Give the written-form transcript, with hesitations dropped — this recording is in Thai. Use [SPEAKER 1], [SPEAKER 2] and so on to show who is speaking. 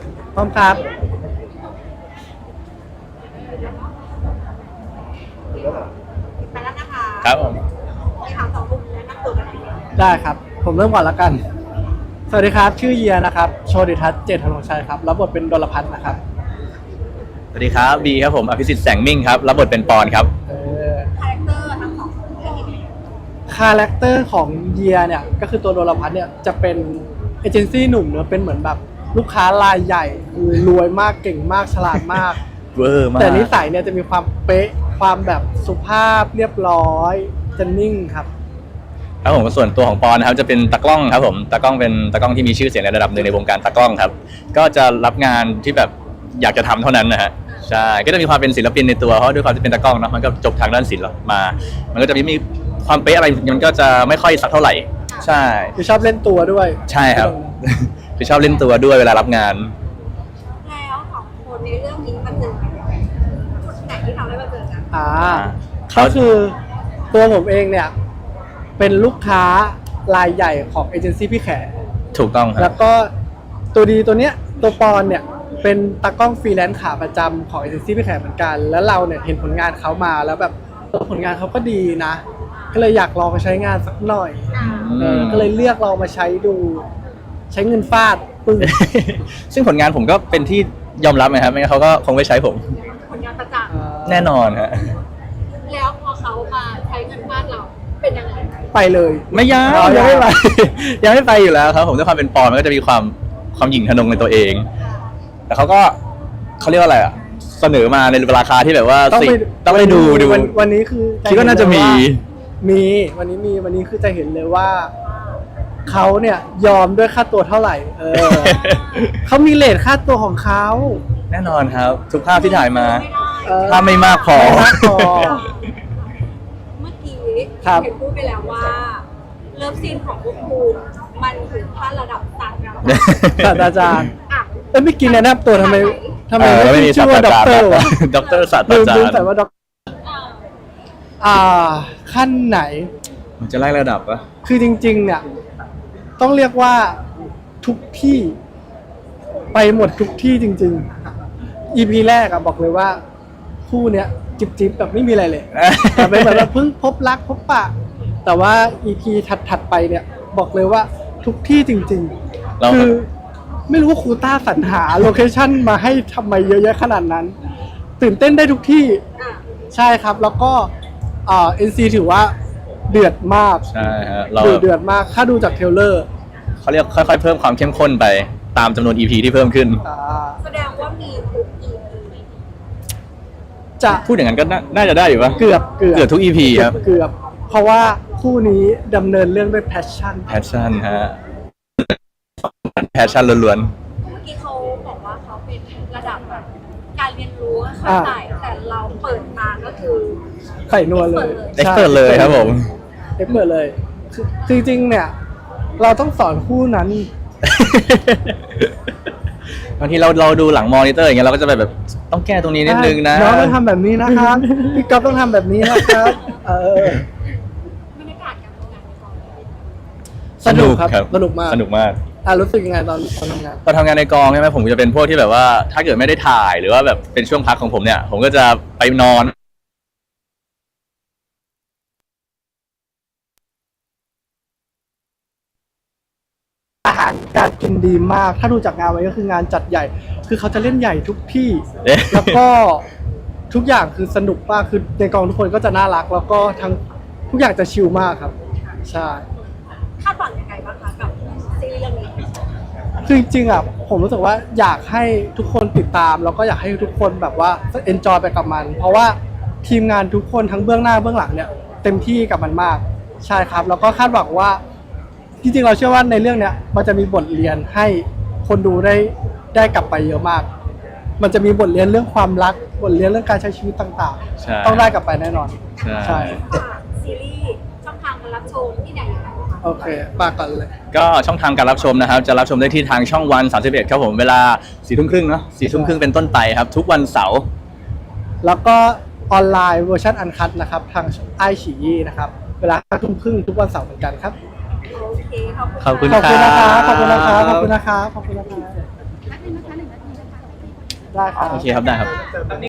[SPEAKER 1] พร้อมครับ
[SPEAKER 2] ไปแล้วนะคะ
[SPEAKER 3] ครับผม
[SPEAKER 2] มีถามสองมุมแนะนำตัวกันหน่อย
[SPEAKER 1] ได้ครับผมเริ่มก่อนแล้วกันสวัสดีครับชื่อเยียนะครับโชติทัศน์เจตธนงชัยครับรับบทเป็นดลพัฒน์นะครับ
[SPEAKER 3] สวัสดีครับบีครับผมอภิสิทธิ์แสงมิ่งครับรับบทเป็นปอนครับ
[SPEAKER 2] คาแรคเตอร์ทั้งสองคนเป็นยังไง
[SPEAKER 1] คาแรคเตอร์ของเยียเนี่ยก็คือตัวดลพัฒน์เนี่ยจะเป็นเอเจนซี่หนุ่มเนอะเป็นเหมือนแบบลูกค้ารายใหญ่คือรวยมากเก่งมากฉลาดมาก
[SPEAKER 3] เวอร์มาก
[SPEAKER 1] แต่นิสัยเนี่ยจะมีความเป๊ะความแบบสุภาพเรียบร้อยจะนิ่งครับ
[SPEAKER 3] ครับผมส่วนตัวของปอนนะครับจะเป็นตากล้องครับผมตากล้องเป็นตากล้องที่มีชื่อเสียงในระดับหนึ่งในวงการตากล้องครับก็จะรับงานที่แบบอยากจะทำเท่านั้นนะฮะใช่ก็จะมีความเป็นศิลปินในตัวเพราะด้วยความที่เป็นตากล้องเนาะมันก็จบทางด้านศิลป์มามันก็จะมีความเป๊ะอะไรมันก็จะไม่ค่อยสักเท่าไหร่ใช่
[SPEAKER 1] คือชอบเล่นตัวด้วย
[SPEAKER 3] ใช่ครับ คือชอบเล่นตัวด้วยเวลารับงาน
[SPEAKER 2] แล้วสองคนในเรื่องนี้มาเจอกันยังไงจุดไหนที่ทำให้มาเจอกัน
[SPEAKER 1] ก็คือตัวผมเองเนี่ยเป็นลูกค้ารายใหญ่ของเอเจนซี่พี่แข
[SPEAKER 3] ถูกต้องค
[SPEAKER 1] แล้
[SPEAKER 3] รับ
[SPEAKER 1] วก็ตัวดีตัวเนี้ยตัวปอนเนี่ยเป็นตากล้องฟรีแลนซ์ขาประจำของเอเจนซี่พี่แขเหมือนกัน แล้วเราเนี่ยเห็นผลงานเขามาแล้วแบบผลงานเขาก็ดีนะ ก็เลยอยากลองมาใช้งานสักหน่อยก็เลยเลือกลองมาใช้ดู ใช้เงินฟาดปึ้ง
[SPEAKER 3] ซึ่งผลงานผมก็เป็นที่ยอมรับนะครับไม่งั้นเขาก็คงไม่ใช้ผม
[SPEAKER 2] ผลงานประจักษ์
[SPEAKER 3] แน่นอนฮะ
[SPEAKER 2] แล้วพอเขามาใช้เงินบ้านเราเป็นยังไง
[SPEAKER 1] ไปเลย
[SPEAKER 3] ไม่ยัง
[SPEAKER 1] อ๋อ
[SPEAKER 3] ยังไม่ไป
[SPEAKER 1] ยัง
[SPEAKER 3] ยังไม่ไปอยู่แล้วครับผมด้วยความเป็นปอนมันก็จะมีความหยิ่งทะนงในตัวเอง แต่เขาก็เขาเรียกว่าอะไรอ่ะเสนอมาในราคาที่แบบว่า
[SPEAKER 1] ต้องไป
[SPEAKER 3] ต้องไปดู
[SPEAKER 1] วันนี้คือ
[SPEAKER 3] คิดว่าน่าจะมี
[SPEAKER 1] มีวันนี้คือจะเห็นเลยว่าเขาเนี่ยยอมด้วยค่าตัวเท่าไหร่ เขามีเรทค่าตัวของเขา
[SPEAKER 3] แน่นอนครับ ทุกภาพที่ถ่ายมา
[SPEAKER 2] ไม่ได้
[SPEAKER 3] ถ้าไม่มากพอ
[SPEAKER 1] ไม่มากพอ
[SPEAKER 2] เมื่อกี้
[SPEAKER 1] ครับ
[SPEAKER 2] เห็นพูดไปแล้วว่าเลิฟซีนของพวกคุณมันถึงขั้นระดับศาสตราจารย์
[SPEAKER 1] ศาสตราจารย์
[SPEAKER 2] อ่ะ
[SPEAKER 1] ไม่กินแนะนำตัวทำไม
[SPEAKER 3] ไม่มี
[SPEAKER 1] ชื่อว่าด็อกเตอร์วะ
[SPEAKER 3] ด็อกเตอร์ศาสต
[SPEAKER 1] ลื
[SPEAKER 3] ราม จาร
[SPEAKER 1] ลืม
[SPEAKER 3] ย์
[SPEAKER 1] แต่ว่าด็อก
[SPEAKER 2] อ่า
[SPEAKER 1] ขั้นไหน
[SPEAKER 3] มันจะไล่ระดับปะ
[SPEAKER 1] คือจริงๆเนี่ยต้องเรียกว่าทุกที่ไปหมดทุกที่จริงๆ EP แรกอะบอกเลยว่าคู่เนี้ยจิบๆแบบไม่มีอะไรเลย แต่เป็นแบบว่าเพิ่งพบรักพบปะแต่ว่า EP ถัดๆไปเนี่ยบอกเลยว่าทุกที่จริง
[SPEAKER 3] เรา
[SPEAKER 1] ๆ คือไม่รู้ว่าครูต้าสรรหาโลเคชั่นมาให้ทำไมเยอะแยะขนาดนั้น ตื่นเต้นได้ทุกที่
[SPEAKER 2] อ่ะ
[SPEAKER 1] ใช่ครับแล้วก็NC ถือว่าเดือดมาก
[SPEAKER 3] ใช่ฮะเรา
[SPEAKER 1] เดือดมากถ้าดูจากเทรลเลอร์
[SPEAKER 3] เขาเรียกค่อยๆเพิ่มความเข้มข้นไปตามจำนวน EP ที่เพิ่มขึ้น
[SPEAKER 2] แสดงว่ามีทุก EP
[SPEAKER 1] จะ
[SPEAKER 3] พูดอย่างนั้นก็น่าจะได้อยู่ปะ
[SPEAKER 1] เกือบ
[SPEAKER 3] ทุก EP ครับ
[SPEAKER 1] เกือบเพราะว่าคู่นี้ดำเนินเรื่องด้วย passion
[SPEAKER 3] แพชชั่นฮะแพชชั่นล้วน
[SPEAKER 2] เมื่อกี้เขาบอกว่าเขาเป็นระดับแบบการเรียนรู้เข้าใจแต่เราเปิดมาก็คือ
[SPEAKER 1] ไข่นัวเลย
[SPEAKER 3] ๆ expert เลยครับผม
[SPEAKER 1] เอ็กเปิดเลยคือจริงๆเนี่ยเราต้องสอนคู่นั้น
[SPEAKER 3] บางทีเราดูหลังมอนิเตอร์อย่างเงี้ยเราก็จะแบบต้องแก้ตรงนี้นิดนึงนะ
[SPEAKER 1] น้องต้องทำแบบนี้นะครับพี่ก๊อฟต้องทำแบบนี้นะครับ
[SPEAKER 2] บรรยากาศการทำงานในกอง
[SPEAKER 1] สนุกครับสนุกมาก
[SPEAKER 3] สนุกมาก
[SPEAKER 1] รู้สึกยังไงตอนทำงาน
[SPEAKER 3] ตอนทำงานในกองใช่ไหมผมจะเป็นพวกที่แบบว่าถ้าเกิดไม่ได้ถ่ายหรือว่าแบบเป็นช่วงพักของผมเนี่ย ผมก็จะไปนอน
[SPEAKER 1] อาหารการกินดีมาก ถ้าดูจากงานไว้ก็คืองานจัดใหญ่ คือเขาจะเล่นใหญ่ทุกที่
[SPEAKER 3] เอ๊ะ
[SPEAKER 1] แล้วก็ทุกอย่างคือสนุกมาก คือในกองทุกคนก็จะน่ารัก แล้วก็ทั้งทุกอย่างจะชิลมากครับ ใช่
[SPEAKER 2] คาดหวังยังไงบ้างคะกับซีรีส์เรื่องนี้
[SPEAKER 1] คือจริงๆอ่ะผมรู้สึกว่าอยากให้ทุกคนติดตาม แล้วก็อยากให้ทุกคนแบบว่าเอนจอยไปกับมัน เพราะว่าทีมงานทุกคนทั้งเบื้องหน้าเบื้องหลังเนี่ยเต็มที่กับมันมาก ใช่ครับ แล้วก็คาดหวังว่าจริงๆเราเชื่อว่าในเรื่องเนี้ยมันจะมีบทเรียนให้คนดูได้กลับไปเยอะมาก มันจะมีบทเรียนเรื่องความรักบทเรียนเรื่องการใช้ชีวิตต่าง
[SPEAKER 3] ใช่
[SPEAKER 1] ๆ ต้องได้กลับไปแน่นอน
[SPEAKER 3] ใช่
[SPEAKER 2] ซีรีส์ช่องทางการรับชมที่ไหนยังไงบ้างคะ
[SPEAKER 1] โอเคปากก่อนเลย
[SPEAKER 3] ก็ช่องทางการรับชมนะครับ จะรับชมได้ที่ทางช่องวัน31ครับผมเวลา4 ทุ่มครึ่งเนาะ4 ทุ่มครึ่งเป็นต้นไปครับ ทุกวันเสาร์
[SPEAKER 1] แล้วก็ออนไลน์เวอร์ชันอันคัดนะครับทางไอฉี่นะครับเวลา5 ทุ่มครึ่งทุกวันเสาร์เหมือนกันครับ
[SPEAKER 2] โอเคขอบคุณ
[SPEAKER 3] ขอบคุณ
[SPEAKER 1] ขอบคุณนะครับ
[SPEAKER 3] ครับ
[SPEAKER 1] ขอบคุณนะครับขอบคุณนะครับขอบคุณนะครับ
[SPEAKER 2] แป๊บนึงนะคะ1 นาที
[SPEAKER 1] ได้ครับ
[SPEAKER 3] โอเคครับได้ครับ